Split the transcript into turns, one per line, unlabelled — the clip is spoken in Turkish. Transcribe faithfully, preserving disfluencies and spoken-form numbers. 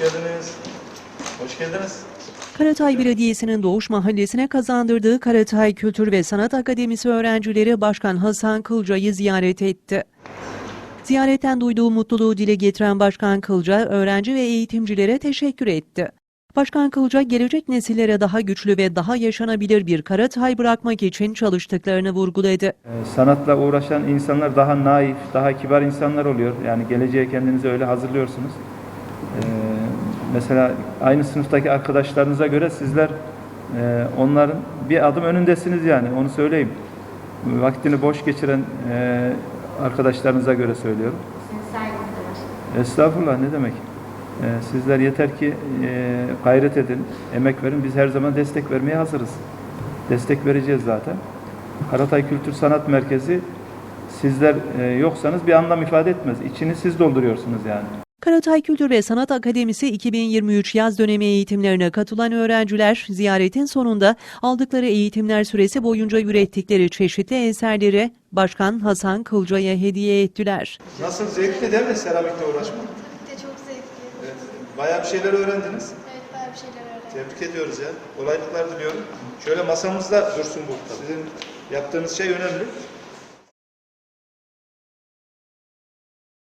geldiniz. Hoş geldiniz.
Karatay Belediyesi'nin Doğuş Mahallesi'ne kazandırdığı Karatay Kültür ve Sanat Akademisi öğrencileri Başkan Hasan Kılca'yı ziyaret etti. Ziyaretten duyduğu mutluluğu dile getiren Başkan Kılca, öğrenci ve eğitimcilere teşekkür etti. Başkan Kılca, gelecek nesillere daha güçlü ve daha yaşanabilir bir Karatay bırakmak için çalıştıklarını vurguladı.
Sanatla uğraşan insanlar daha naif, daha kibar insanlar oluyor. Yani geleceğe kendinizi öyle hazırlıyorsunuz. Ee, mesela aynı sınıftaki arkadaşlarınıza göre sizler e, onların bir adım önündesiniz yani, onu söyleyeyim. Vaktini boş geçiren e, arkadaşlarınıza göre söylüyorum. Estağfurullah, ne demek. E, sizler yeter ki e, gayret edin, emek verin. Biz her zaman destek vermeye hazırız. Destek vereceğiz zaten. Karatay Kültür Sanat Merkezi, sizler e, yoksanız bir anlam ifade etmez. İçini siz dolduruyorsunuz yani.
Karatay Kültür ve Sanat Akademisi iki bin yirmi üç yaz dönemi eğitimlerine katılan öğrenciler, ziyaretin sonunda aldıkları eğitimler süresi boyunca ürettikleri çeşitli eserleri Başkan Hasan Kılca'ya hediye ettiler.
Nasıl, zevkli değil mi seramikle uğraşmak?
Tabii ki de çok zevkli.
Evet. Bayağı bir şeyler öğrendiniz.
Evet, bayağı bir şeyler öğrendim.
Tebrik ediyoruz ya. Kolaylıklar diliyorum. Şöyle masamızda dursun bu. Sizin yaptığınız şey önemli.